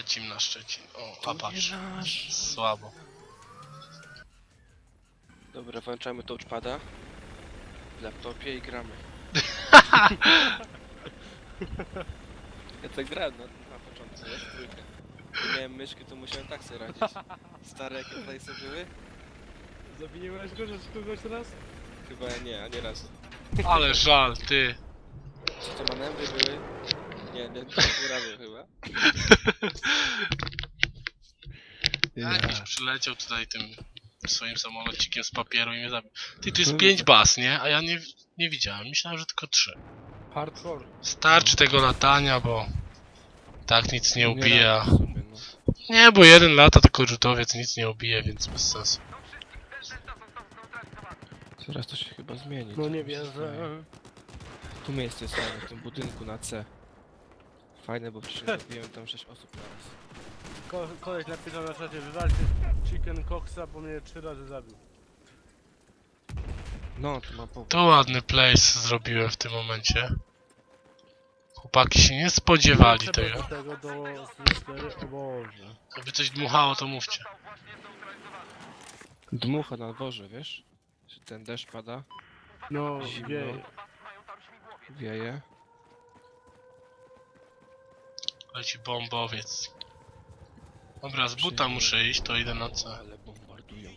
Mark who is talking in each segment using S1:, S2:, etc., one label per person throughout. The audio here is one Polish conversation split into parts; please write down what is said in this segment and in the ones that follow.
S1: lecimy na Szczecin. O, a patrz. Słabo.
S2: Dobra, włączamy touchpada w laptopie i gramy. Ja tak grałem na początku, wiesz, trójkę. Nie miałem myszki, to musiałem tak sobie radzić. Stare jakie tutaj sobie były?
S3: Zawiniłeś go, że kogoś raz?
S2: Chyba nie, ani razu.
S1: Ale żal, ty.
S2: Czy to manewry były? Nie razu chyba.
S1: Jakiś przyleciał tutaj tym swoim samolocikiem z papieru i mnie zabił. Ty, tu jest 5 baz, nie? A ja nie widziałem. Myślałem, że tylko 3.
S3: Hardcore.
S1: Starczy tego latania, bo tak nic nie ubije.
S2: radzę sobie, no.
S1: Nie, bo 1 lata tylko rzutowiec nic nie ubije, więc bez sensu.
S2: Zaraz to się chyba zmieni.
S3: No
S2: co
S3: nie
S2: mi się
S3: wierzę.
S2: zdaje. Tu miejsce jest fajne, w tym budynku na C. Fajne, bo wcześniej zabiłem tam 6 osób naraz.
S3: Koleś napisał na czacie, wywalcie Chicken Coxa, bo mnie 3 razy zabił.
S2: No, to ma powód.
S1: To ładny place zrobiłem w tym momencie. Chłopaki się nie spodziewali
S3: Trzeba
S1: tego.
S3: do tego do Sinistery, o Boże.
S1: Jakby coś dmuchało, to mówcie.
S2: Dmucha na dworze, wiesz? Że ten deszcz pada,
S3: No,
S2: Zimno.
S3: wieje.
S2: wieje.
S1: Leci bombowiec. Dobra, z buta muszę iść, to idę na C.
S2: Ale bombardują.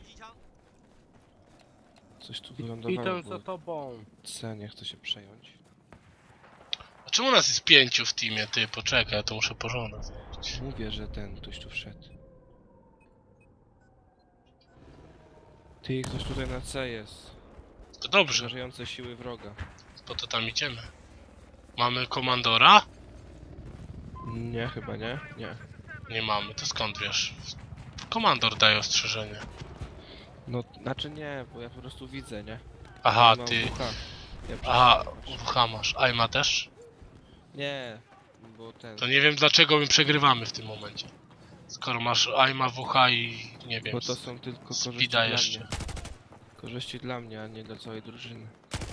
S2: Coś tu
S3: Idę
S2: wylądowało,
S3: za
S2: bo
S3: tobą.
S2: C nie chce się przejąć.
S1: A czemu nas jest 5 w teamie? Ty, poczekaj, ja to muszę porządek zrobić.
S2: Mówię, że ten ktoś tu wszedł. Ty, ktoś tutaj na C jest.
S1: To dobrze,
S2: Żerujące siły wroga.
S1: po to tam idziemy. Mamy komandora?
S2: Nie, chyba nie. Nie.
S1: Nie mamy, to skąd wiesz? Komandor daje ostrzeżenie.
S2: No, znaczy nie, bo ja po prostu widzę, nie?
S1: Aha,
S2: Ja mam
S1: ty.
S2: WH. Ja
S1: Aha,
S2: przecież-
S1: WH masz. Aima też?
S2: Nie, bo ten...
S1: To nie wiem dlaczego my przegrywamy w tym momencie. Skoro masz Aima, WH i nie wiem.
S2: Bo to są tylko korzyści
S1: Speeda
S2: dla
S1: jeszcze.
S2: mnie. Korzyści dla mnie, a nie dla całej drużyny.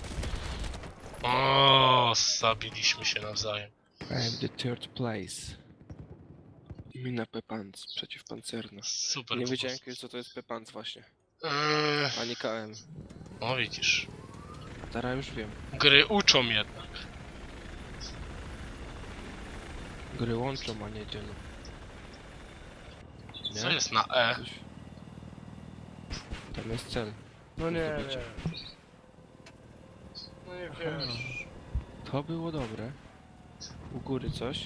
S1: O, zabiliśmy się nawzajem.
S2: I am the third place. Mina Pepans, przeciwpancerna.
S1: Super.
S2: Nie
S1: po
S2: wiedziałem
S1: prostu.
S2: kiedyś co to jest Pepans właśnie.
S1: Eee,
S2: Ani KM.
S1: no widzisz.
S2: Teraz już wiem.
S1: Gry uczą jednak.
S2: Gry łączą, a nie dzielą. Nie?
S1: Co jest na E?
S2: Coś... Tam jest cel.
S3: No nie
S2: Zdobycie.
S3: wiem. No nie wiesz.
S2: To było dobre. U góry coś.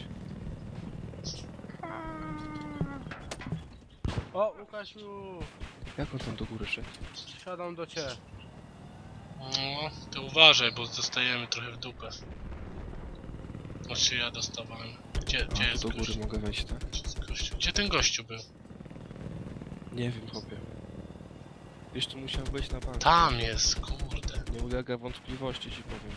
S3: O, Łukasiu!
S2: Jak on tam do góry szedł?
S3: Siadam do ciebie.
S1: No, ty uważaj, bo dostajemy trochę w dupę. Znaczy ja dostawałem. Gdzie
S2: A,
S1: jest
S2: do góry
S1: gościu?
S2: mogę wejść, tak?
S1: Gdzie jest gościu? Gdzie ten gościu był?
S2: Nie wiem, chłopie. Wiesz, tu musiał być na bank.
S1: Tam jest, kurde.
S2: Nie ulega wątpliwości, ci powiem.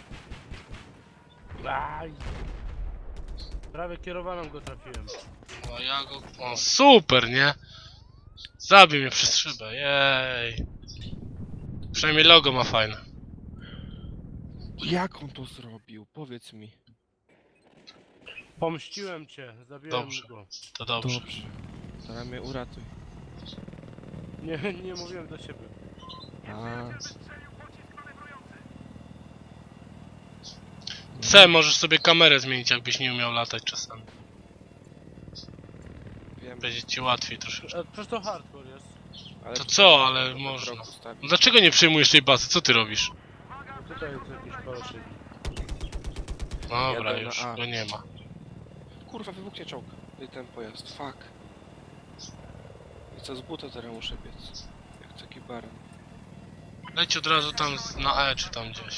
S3: Aj! Prawie kierowaną go trafiłem.
S1: O, ja go... O, super, nie? Zabił mnie przez szybę, jej. Przynajmniej logo ma fajne.
S2: Jak on to zrobił? Powiedz mi.
S3: Pomściłem cię, zabiłem
S1: Dobrze.
S3: go.
S1: To dobrze.
S2: Dobrze. Teraz mnie uratuj.
S3: Nie mówiłem do siebie.
S2: A.
S1: C, możesz sobie kamerę zmienić, jakbyś nie umiał latać czasami.
S2: Wiem,
S1: Będzie ci łatwiej troszeczkę.
S3: Przecież to hardcore jest.
S2: ale
S1: To
S2: tutaj
S1: co,
S2: można
S1: ale
S2: trochę
S1: można.
S2: kroku stawić.
S1: No dlaczego nie przejmujesz tej bazy? Co ty robisz?
S3: No tutaj jest jakiś koloszyk.
S1: Dobra,
S2: Jadę na
S1: już
S2: A.
S1: go nie ma.
S2: Kurwa, wybuchnie czołg. I ten pojazd, fuck. I co z buta teraz muszę biec? Jak taki baran.
S1: Leć od razu tam na E czy tam gdzieś.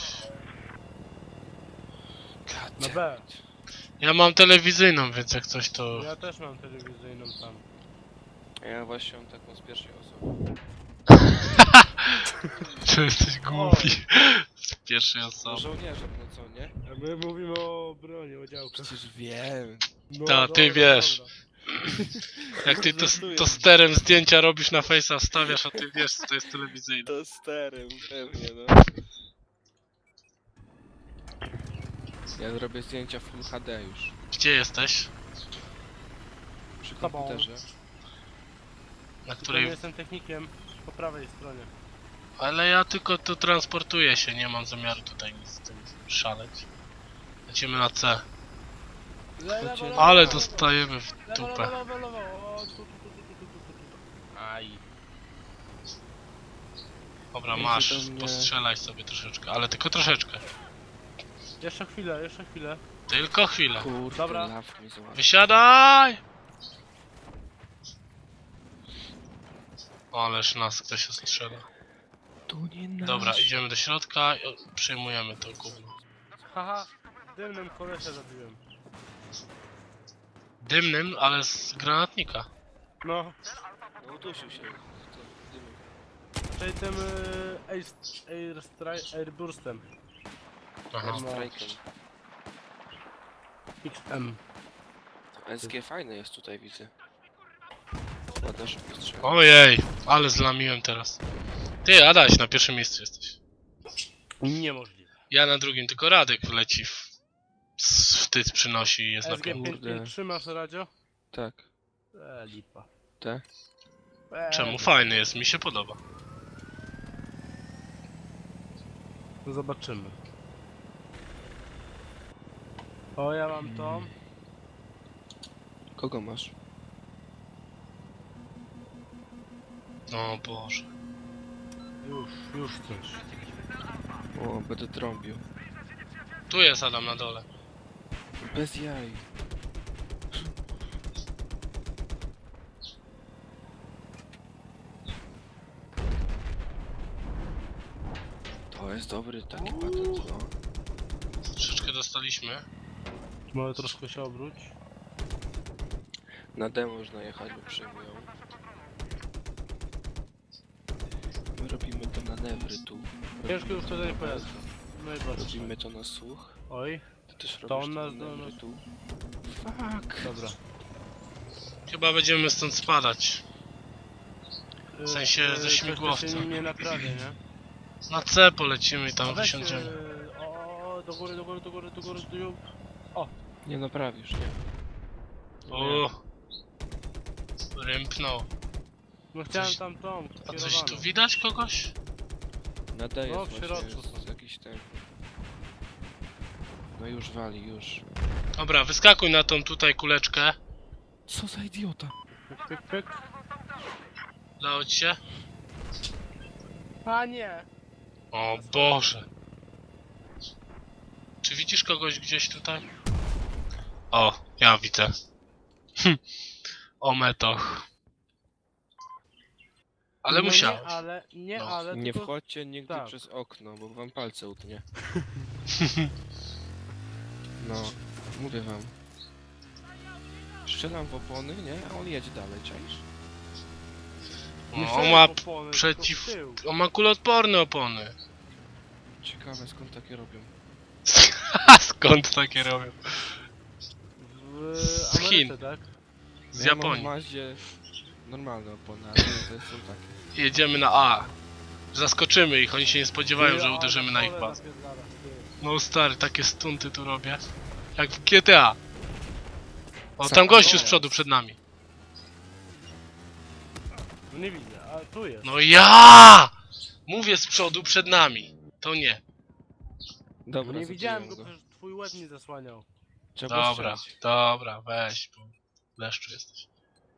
S3: Na B.
S1: Ja mam telewizyjną, więc jak coś to...
S3: Ja też mam telewizyjną tam.
S2: Ja właśnie mam taką z pierwszej osoby.
S1: Czy jesteś głupi? Z pierwszej
S2: No
S1: osoby.
S2: żołnierzem, no co, nie?
S3: A my mówimy o broni, o działkach.
S2: Przecież wiem.
S3: No,
S1: Ta, ty
S3: dobra,
S1: wiesz.
S3: dobra.
S1: Jak ty
S2: Żartuję.
S1: to sterem zdjęcia robisz na face'a, wstawiasz, a ty wiesz, co to jest telewizyjne.
S2: To sterem, pewnie, no. Ja zrobię zdjęcia Full HD już.
S1: Gdzie jesteś?
S2: Przy komputerze.
S1: Na
S3: Tylko
S1: której...
S3: nie jestem technikiem po prawej stronie.
S1: Ale ja tylko tu transportuję się, nie mam zamiaru tutaj nic z tym szaleć. Lecimy na C. Ale dostajemy w dupę.
S3: Lewo. O, tu. Aj.
S1: Dobra,
S2: Idzie
S1: masz,
S2: do mnie.
S1: postrzelaj sobie troszeczkę, ale tylko troszeczkę.
S3: Jeszcze chwilę.
S1: Tylko chwilę.
S2: Kurde,
S3: Dobra.
S2: law mi złapał.
S1: Wysiadaj! Ależ nas ktoś strzela.
S2: Tu nie nasz.
S1: Dobra, idziemy do środka i przyjmujemy to gówno.
S3: Haha, dymnym kolesia zabiłem.
S1: Dymnym, ale z granatnika.
S3: No,
S2: No udusił się. To dymy.
S3: czyli tym Airburstem.
S1: Aha.
S3: No.
S2: Strajkiem.
S3: XM.
S2: SG fajne jest tutaj, widzę. Ładna szybko strzela.
S1: Ojej, ale zlamiłem teraz. Ty, Adaś, na pierwszym miejscu jesteś.
S3: Niemożliwe.
S1: Ja na drugim, tylko Radek leci wstyd przynosi i jest na piątym.
S2: Kurde.
S3: SG5 masz radio?
S2: Tak.
S3: Lipa.
S2: Te?
S1: Czemu? Fajny jest, mi się podoba.
S3: No zobaczymy. O, ja mam to.
S2: Kogo masz?
S1: O Boże.
S3: Już coś.
S2: O, będę trąbił.
S1: Tu jest Adam na dole.
S2: Bez jaj. To jest dobry taki patent, no.
S1: Troszeczkę dostaliśmy.
S3: Może troszkę się obróć.
S2: Na D można jechać, bo przejmują. My robimy to manewry tu.
S3: Ciężko już tutaj pojazd. No i bardzo.
S2: Robimy to na słuch.
S3: Oj,
S2: Ty też
S3: To
S2: robisz
S3: on
S2: te
S3: nas-
S2: manewry
S3: no-
S2: tu. Fuck.
S3: dobra.
S1: Chyba będziemy stąd spadać. W sensie ze
S3: coś
S1: śmigłowca.
S3: się nie naprawię, nie?
S1: Na C polecimy i
S3: A
S1: tam
S3: weź,
S1: wysiądziemy.
S3: o, do góry,
S2: Nie naprawisz, nie?
S1: O, rymknął.
S3: No chciałem
S1: Coś-
S3: tam tą,
S1: A coś
S3: kierowaną.
S1: tu widać kogoś?
S2: Na D
S3: No,
S2: jest
S3: w środku
S2: właśnie, jest
S3: są.
S2: jakiś ten... No już wali, już.
S1: Dobra, wyskakuj na tą tutaj kuleczkę.
S2: Co za idiota?
S3: Pyk.
S1: Udało ci się?
S3: A nie!
S1: O Boże. Czy widzisz kogoś gdzieś tutaj? O, ja widzę. O metoch. Ale
S3: No
S1: musiałeś.
S3: Nie,
S1: No.
S3: ale
S2: Nie
S3: tylko...
S2: wchodźcie nigdy
S3: tak.
S2: przez okno, bo wam palce utnie. No, mówię wam. Strzelam w opony, nie? A on jedzie dalej, czaisz?
S3: Nie
S1: O,
S3: chciałem
S1: on ma
S3: opony,
S1: przeciw...
S3: tylko w tył.
S1: On ma kuloodporne opony.
S2: Ciekawe skąd takie robią.
S1: Skąd takie robią?
S3: W
S1: Z
S3: Ameryce,
S1: Chin.
S3: tak?
S1: Z
S2: Ja mam w
S1: Japonii.
S2: Maździe normalne opony, a to są takie.
S1: Jedziemy na A. Zaskoczymy ich, oni się nie spodziewają,
S3: Ty,
S1: że
S3: a,
S1: uderzymy na ich
S3: pole
S1: pas.
S3: napierdala, ty.
S1: No stary, takie stunty tu robię. Jak w GTA. O,
S2: Co?
S1: tam gościu
S2: O,
S1: z przodu przed nami.
S3: No nie widzę, a tu jest.
S1: No ja! Mówię z przodu przed nami. To nie.
S2: Dobra,
S3: No nie widziałem
S2: zabiłem
S3: go, przecież twój łeb nie zasłaniał.
S2: Trzeba
S1: Dobra,
S2: strzelić.
S1: dobra, weź, bo leszczu jesteś.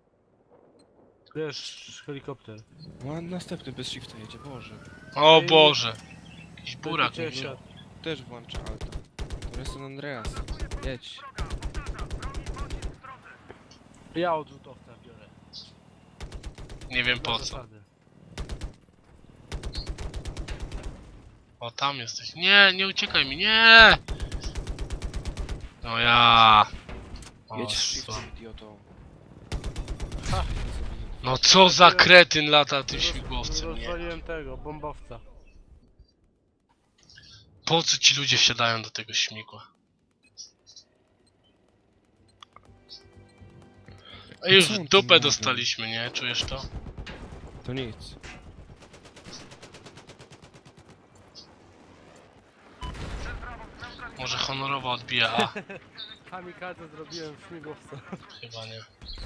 S3: Wiesz, helikopter.
S2: No, a następny bez shifta jedzie, Boże.
S1: O
S3: Ej,
S1: Boże. Jakiś burak
S3: Będzie
S1: mi wziął.
S3: siadł.
S2: Też włącza alta. To jest San Andreas. Jedź.
S3: Ja odrzutowca biorę.
S1: Nie wiem po
S3: Bez
S1: co.
S3: zasady.
S1: O, tam jesteś. Nie, nie uciekaj mi, nie! No ja. O,
S2: Jedź z shiftem,
S1: słabo.
S2: idioto.
S3: Ha.
S1: No co za kretyn lata tym śmigłowcem, nie?
S3: Rozwaliłem tego, bombowca.
S1: Po co ci ludzie wsiadają do tego śmigła? A już
S2: Co on
S1: w
S2: tu
S1: dupę
S2: mówi?
S1: dostaliśmy, nie? Czujesz to?
S2: To nic.
S1: Może honorowo odbija A.
S3: kamikadze zrobiłem śmigłowca.
S1: Chyba nie.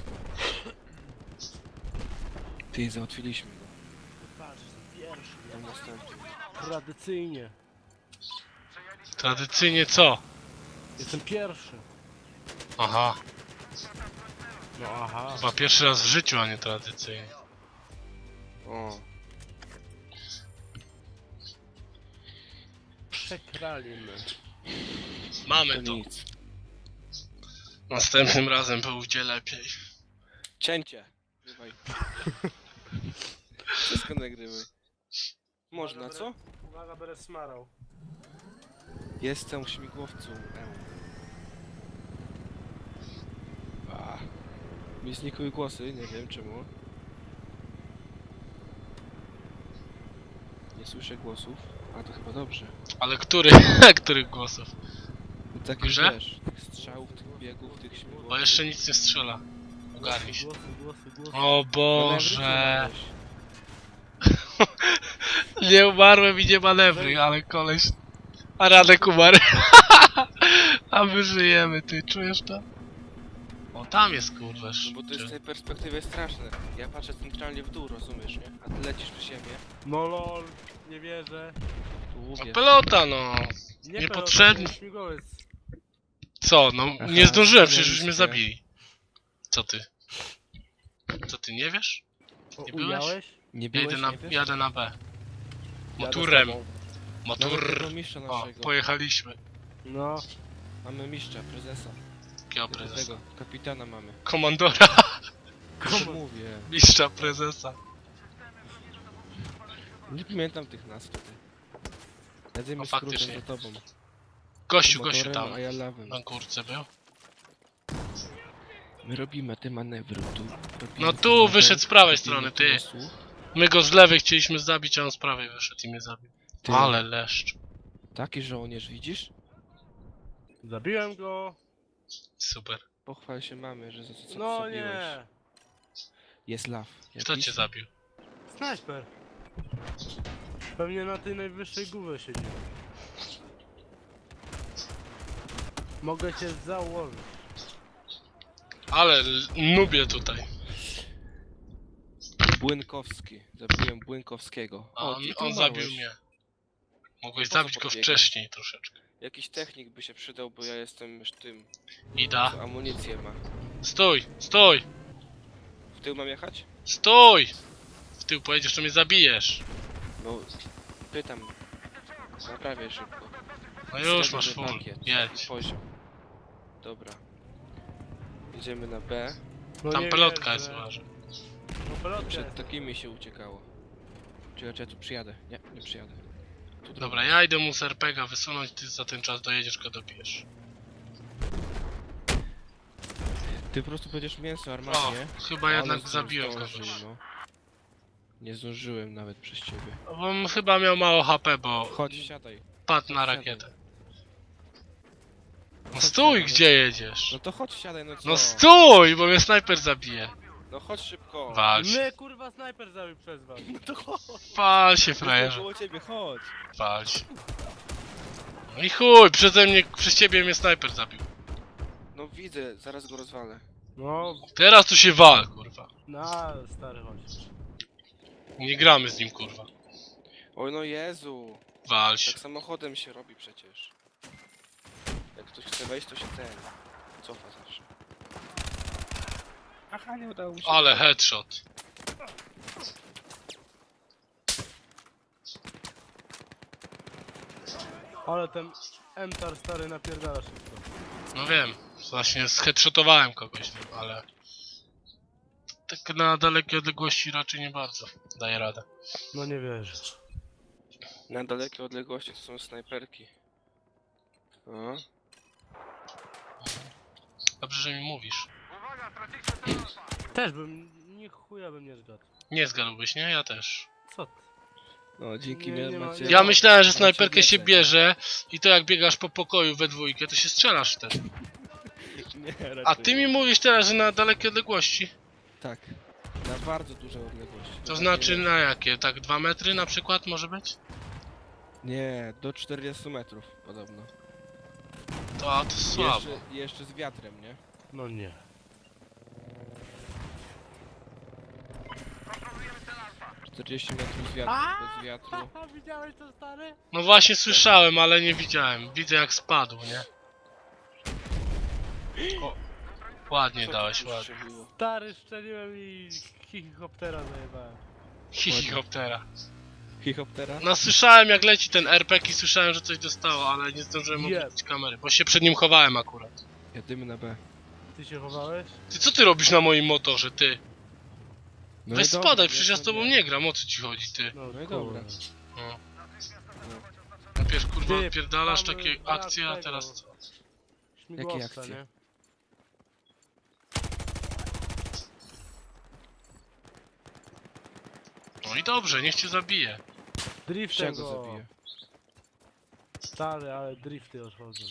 S2: Ty, załatwiliśmy go.
S3: Patrz, pierwszy.
S2: Tam następny.
S3: Tradycyjnie.
S1: Tradycyjnie co?
S3: Jestem pierwszy.
S1: Aha.
S3: No aha.
S1: Chyba pierwszy raz w życiu, a nie tradycyjnie.
S2: O,
S3: Przekralimy.
S1: Mamy
S2: to
S1: to.
S2: nic.
S1: Następnym razem będzie lepiej.
S2: Cięcie. Bywaj. Wszystko nagrywaj. Można, co?
S3: Uwaga, będę smarał.
S2: Jestem śmigłowcą. Mi znikły głosy, nie wiem czemu. Nie słyszę głosów, a to chyba dobrze.
S1: Ale których głosów?
S2: Takich,
S1: Że?
S2: wiesz, tych strzałów, tych biegów, tych śmigłowców.
S1: Bo jeszcze nic nie strzela. Ogarnij się.
S3: Głosy.
S1: O Boże.
S2: Manewry
S1: Nie umarłem i nie manewry, ale koleś... A Radek umarł. A my żyjemy, ty czujesz to? O, tam jest kurwa.
S2: No bo to jest z tej perspektywy straszne. Ja patrzę centralnie w dół, rozumiesz, nie? A ty lecisz przy siebie.
S3: No lol, nie wierzę.
S2: Tu
S1: No
S2: łupiesz.
S1: pelota no.
S3: Nie
S1: Niepotrzebny.
S3: pelota, śmigłowiec.
S1: Co, no
S2: Aha,
S1: nie zdążyłem, przecież
S2: studenckie.
S1: już mnie zabili. Co ty? Co ty, nie wiesz?
S3: O,
S1: Nie byłeś?
S3: ujałeś?
S2: Nie byłeś, nie wiesz?
S1: Jadę na B.
S3: Jadę
S1: Motorem.
S3: z tobą.
S2: Mamy tego
S1: Motor.
S2: mistrza
S1: O,
S2: naszego.
S1: pojechaliśmy.
S3: No,
S2: Mamy mistrza, prezesa.
S1: Jakiego prezesa?
S2: Tego, kapitana mamy.
S1: Komandora.
S2: Co mówię?
S1: Mistrza prezesa.
S2: Nie pamiętam tych nazw wtedy. Jadzimy
S1: No,
S2: skrótem
S1: faktycznie.
S2: za tobą.
S1: Gościu
S2: Motorem,
S1: tam.
S2: a ja lawem.
S1: Na górce był.
S2: My robimy te manewry tu.
S1: No tu wyszedł z prawej strony, ty. My go z lewej chcieliśmy zabić, a on z prawej wyszedł i mnie zabił.
S2: Ty.
S1: Ale leszcz.
S2: Taki żołnierz, widzisz?
S3: zabiłem go.
S1: Super.
S2: Pochwal się mamy, że za co
S3: No
S2: zabiłeś.
S3: nie.
S2: Jest law.
S1: Kto
S2: jakiś?
S1: cię zabił?
S3: Snajper. Pewnie na tej najwyższej górze siedzi. Mogę cię założyć.
S1: Ale nubię tutaj.
S2: Błynkowski. Zabiłem Błynkowskiego.
S1: A
S2: O,
S1: on,
S2: ty tu
S1: on
S2: małeś.
S1: zabił mnie. Mogłeś
S2: Po co
S1: zabić go
S2: podbiegasz?
S1: wcześniej troszeczkę.
S2: Jakiś technik by się przydał, bo ja jestem już tym,
S1: Ida.
S2: co amunicję ma.
S1: Stój! Stój!
S2: W tył mam jechać?
S1: Stój! W tył pojedziesz, to mnie zabijesz.
S2: No, pytam. Naprawię szybko.
S1: No już
S2: Srebrny
S1: masz full.
S2: pakiet.
S1: Jedź.
S2: Poziom. Dobra. Jedziemy na B.
S3: No
S1: Tam
S3: nie
S1: pelotka
S3: wierzę.
S1: jest, uważaj.
S3: No pelotka
S2: Przed
S3: jest.
S2: takimi się uciekało. Czy ja tu przyjadę? Nie, nie przyjadę. Tu
S1: Dobra, ja idę mu z RPGa wysunąć, ty za ten czas dojedziesz, go dobijesz.
S2: Ty po prostu będziesz mięso
S1: O,
S2: armatnie.
S1: chyba jednak zabiłem
S2: zdążył,
S1: kogoś.
S2: no. Nie zdążyłem nawet przez ciebie.
S1: Bo on chyba miał mało HP, bo
S2: Chodź, siadaj.
S1: padł na
S2: siadaj.
S1: rakietę. No
S2: Chodź,
S1: stój,
S2: siadaj.
S1: gdzie jedziesz?
S2: No to chodź, siadaj, no co?
S1: No stój, bo mnie snajper zabije.
S2: No chodź szybko.
S1: Wal się,
S3: Mnie kurwa snajper zabił przez was.
S2: No to chodź.
S1: wal się
S2: Jestem
S1: frajerze,
S2: koło ciebie, chodź.
S1: wal się. No i chuj, przez ciebie mnie snajper zabił.
S2: No widzę, zaraz go rozwalę.
S3: No,
S1: Teraz tu się wal, kurwa.
S3: na stary chodź.
S1: Nie gramy z nim, kurwa.
S2: Oj no Jezu.
S1: Wal się.
S2: Tak samochodem się robi przecież. Jak ktoś chce wejść, to się cofa zawsze. Aha, nie udało mi się.
S1: Ale headshot.
S3: Ale ten MTAR stary napierdala szybko.
S1: No wiem, właśnie zheadshotowałem kogoś tym, ale... Tak na dalekiej odległości raczej nie bardzo daje radę.
S3: No nie wierzę.
S2: Na dalekie odległości to są snajperki. O.
S1: Dobrze, że mi mówisz.
S3: Też bym, nie chuja bym nie zgadł.
S1: Nie zgadłbyś, nie? Ja też.
S3: Co ty?
S2: No, dzięki
S3: Nie,
S2: mnie
S3: nie ma-
S2: macie...
S3: nie
S1: Ja
S3: ma-
S1: myślałem, że
S2: macie
S1: snajperkę się
S2: wiedzę.
S1: bierze i to jak biegasz po pokoju we dwójkę, to się strzelasz wtedy.
S2: Nie,
S1: A
S2: raczej
S1: ty mi
S2: nie.
S1: mówisz teraz, że na dalekie odległości.
S2: Tak. Na bardzo duże odległości.
S1: To znaczy na jakie? Tak 2 metry na przykład może być?
S2: Nie, do 40 metrów podobno.
S1: To słabo.
S2: Jeszcze z wiatrem, nie?
S3: No nie.
S2: Alfa. 40 metrów z wiatru, bez wiatru.
S3: Widziałeś to, stary?
S1: No właśnie słyszałem, ale nie widziałem. Widzę jak spadł, nie? O, ładnie
S2: Co
S1: dałeś,
S2: tu
S1: ładnie.
S2: strzeliło?
S3: Stary, szczeliłem i helikoptera zajebałem.
S1: Helikoptera.
S2: Hihoptera?
S1: No słyszałem jak leci ten RPG i słyszałem, że coś dostało, ale nie zdążyłem
S3: Nie.
S1: odwrócić kamery, bo się przed nim chowałem akurat.
S2: Jedymy na B.
S3: Ty się chowałeś?
S1: Ty co ty robisz na moim motorze, ty?
S2: No
S1: Weź
S2: i dobra,
S1: spadaj, przecież ja z
S2: to
S1: tobą
S2: nie.
S1: nie gram, o co ci chodzi, ty?
S3: No,
S2: No i
S3: kurwa.
S2: dobra.
S1: No. Najpierw kurwa
S3: Ty,
S1: odpierdalasz
S3: mamy
S1: takie
S3: brak
S1: akcje, a
S3: tego.
S1: teraz co?
S3: Śmigłowca,
S2: akcje?
S3: nie?
S1: No i dobrze, niech cię zabije.
S3: Driftem
S2: Czego
S3: go.
S2: zabiję?
S3: Stary, ale drifty odchodzą.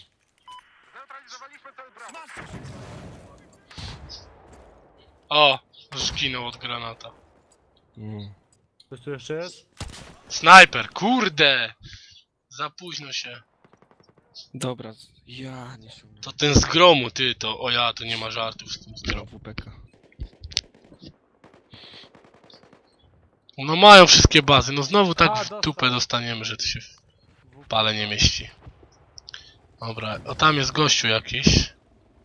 S1: O, zginął od granata.
S3: Coś tu jeszcze jest?
S1: Snajper, kurde! Za późno się.
S2: Dobra, ja nie się
S1: To ten z gromu, ty, to o ja, to nie ma żartów z tym z gromu.
S2: WPK.
S1: No mają wszystkie bazy, no znowu tak
S3: A,
S1: w
S3: dostał.
S1: dupę dostaniemy, że to się w pale nie mieści. Dobra, o tam jest gościu jakiś.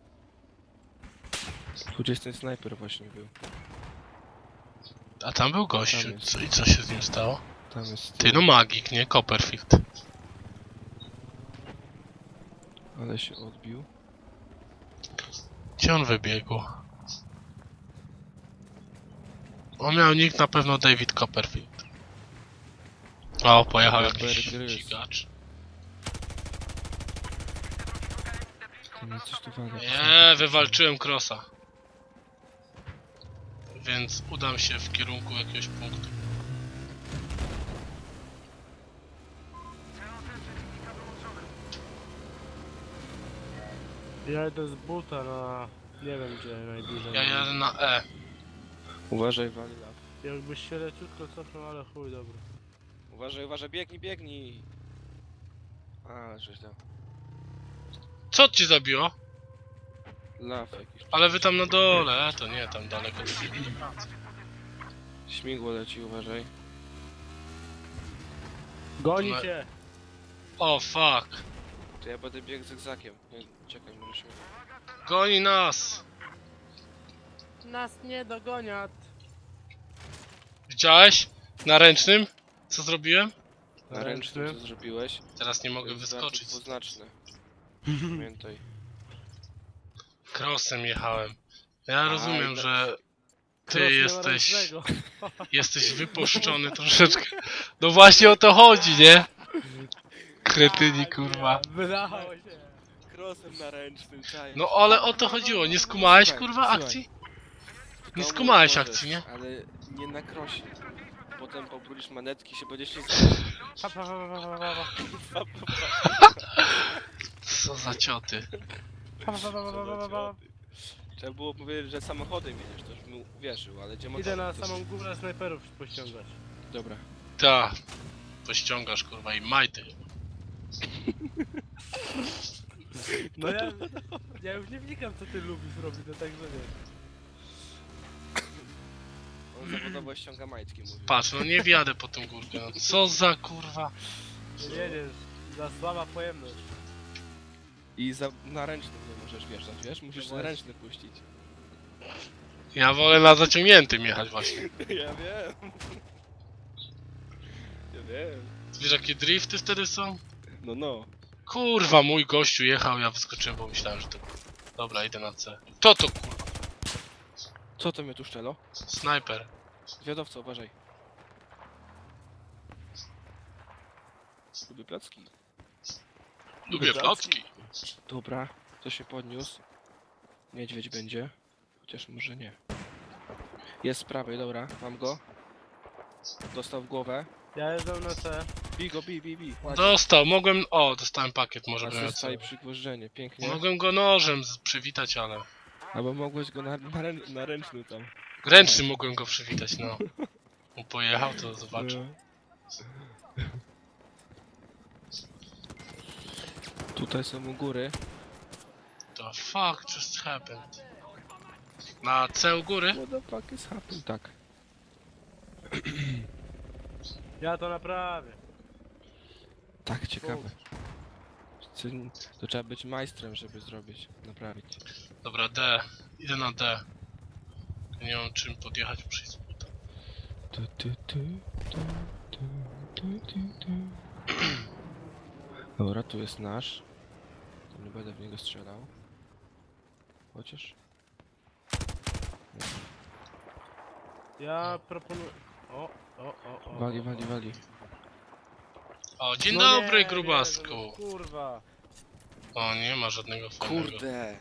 S2: Tu gdzieś ten snajper właśnie był.
S1: A tam był gościu,
S2: Tam jest.
S1: co, i co się z nim stało?
S2: Tam jest...
S1: Ty, no magik, nie? Copperfield.
S2: Ale się odbił.
S1: Gdzie on wybiegł? On miał nick na pewno David Copperfield. O, pojechał
S2: Robert
S1: jakiś
S2: Grys.
S1: dźwigacz.
S2: To mnie coś tu wali.
S1: Nie, wywalczyłem crossa. Więc udam się w kierunku jakiegoś punktu.
S3: Ja idę z buta na... nie wiem gdzie najbliżej.
S1: Ja jadę na E.
S2: Uważaj, wali law.
S3: Jakbyś się leciutko cofnął, ale chuj, dobra.
S2: Uważaj, uważaj, biegnij, biegnij! Ale żeś dał.
S1: Co cię zabiło?
S2: Law jakiś.
S1: Ale wy tam na dole, to nie, tam daleko.
S2: Śmigło leci, uważaj.
S3: Goni
S1: No.
S3: cię!
S1: O, fuck.
S2: To ja będę biegł zygzakiem. Nie, czekaj, może się...
S1: Goni nas.
S3: Nas nie dogoniat!
S1: Widziałeś? Na ręcznym? Co zrobiłem?
S2: Na ręcznym co zrobiłeś?
S1: Teraz nie mogę
S2: To jest
S1: wyskoczyć.
S2: znaczy dwuznaczne. Pamiętaj.
S1: Crossem jechałem. Ja rozumiem,
S2: no.
S1: że
S3: Cross
S1: ty
S3: nie ma
S1: jesteś,
S3: ręcznego.
S1: jesteś wypuszczony troszeczkę. No właśnie o to chodzi, nie? Kretyni, kurwa.
S3: Wydało się!
S2: Krosem na ręcznym, czaj.
S1: No ale o to chodziło, nie skumałeś, kurwa,
S2: Słuchaj.
S1: akcji? Nie
S2: Komu
S1: skumałeś
S2: możesz,
S1: akcji, nie?
S2: Ale nie na krosie. Potem pobrudzisz manetki się będzie ślizgać.
S3: Pa, pa, pa, pa, pa, pa,
S1: Co za cioty.
S3: pa, pa, pa, pa, pa, pa, pa.
S2: Trzeba było powiedzieć, że samochodem jedziesz, to już bym uwierzył, ale gdzie
S3: Idę
S2: motorem,
S3: na
S2: to
S3: samą górę snajperów pościągać.
S2: Dobra.
S1: Ta. Pościągasz, kurwa, i majty.
S3: No ja już nie wnikam co ty lubisz robić, to tak że wiesz.
S2: On zawodowo ściąga majtki, mówi.
S1: Patrz, no nie wjadę po tym górkę, no co za kurwa.
S3: Nie jedziesz, za słaba pojemność.
S2: I na ręcznym nie możesz wjeżdżać, wiesz? Musisz na
S3: właśnie.
S2: ręczny puścić.
S1: Ja wolę na zaciągniętym jechać właśnie.
S2: Ja wiem. Ja wiem.
S1: Wiesz jakie drifty wtedy są?
S2: No, no.
S1: Kurwa, mój gościu jechał, ja wyskoczyłem, bo myślałem, że to... Dobra, idę na C. To kurwa?
S2: Co to mnie tu szczelo?
S1: Snajper.
S2: Zwiadowca, uważaj. Lubię placki.
S1: Lubię placki.
S2: Dobra, to się podniósł. Niedźwiedź będzie. Chociaż może nie. Jest z prawej, dobra, mam go. Dostał w głowę.
S3: Ja jeżdżę na C.
S2: Bij go, bij. Ładnie.
S1: Dostał, mogłem... O, dostałem pakiet, może bym miał
S2: Asysta
S1: C.
S2: i przygwożdżenie, pięknie.
S1: Mogłem go nożem przywitać, ale...
S2: Albo mogłeś go na ręczny tam.
S1: Ręcznym mogłem go przywitać, no. On pojechał, to zobaczę.
S2: Tu Tutaj są u góry.
S1: The fuck just happened? Na C u góry?
S2: What the fuck is happening? Tak.
S3: Ja to naprawię.
S2: Tak, ciekawe. To trzeba być majstrem, żeby zrobić, naprawić.
S1: Dobra, D. Idę na D. Nie mam czym podjechać przez buta.
S2: Dobra, tu jest nasz. To nie będę w niego strzelał. Chociaż.
S3: Ja proponuję... O.
S2: Wali, wali, wali.
S1: O, dzień
S3: No
S1: dobry,
S3: nie,
S1: grubasku.
S3: nie, no kurwa.
S1: O, nie ma żadnego fajnego.
S2: Kurde!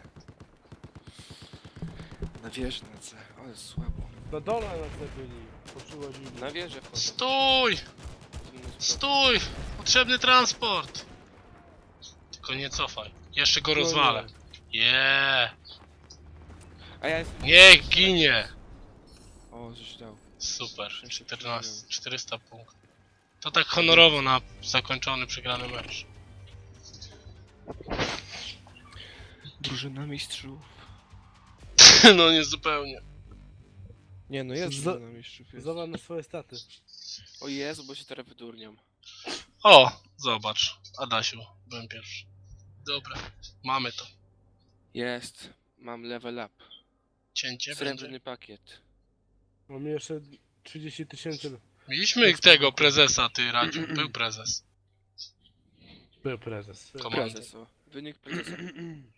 S2: Na wieży na C, ale słabo.
S3: Na dole na te byli. Poczuło zimno.
S2: Na wieżę wchodzą.
S1: Stój! Stój! Potrzebny transport! Tylko nie cofaj. Jeszcze go rozwalę. Yeah.
S2: A ja jestem...
S1: Niech ginie!
S2: O, żeś dał.
S1: Super.
S2: Czym się
S1: 400 punktów. To tak honorowo na zakończony, przegrany mecz.
S2: Drużyna mistrzów.
S1: No nie zupełnie.
S2: Nie no, jest
S3: Z-
S2: drużyna mistrzów. Jest.
S3: Zobacz na swoje staty.
S2: O Jezu, bo się teraz wydurniam.
S1: O! Zobacz. Adasiu, byłem pierwszy. Dobra, mamy to.
S2: Jest. Mam level up.
S1: Cięcie
S2: Srebrny
S1: będzie.
S2: pakiet.
S3: Mamy jeszcze 30 000.
S1: Mieliśmy tego prezesa, ty Radziu. Był prezes.
S3: Był prezes.
S1: Komandy.
S2: Prezes, o. Wynik prezesa.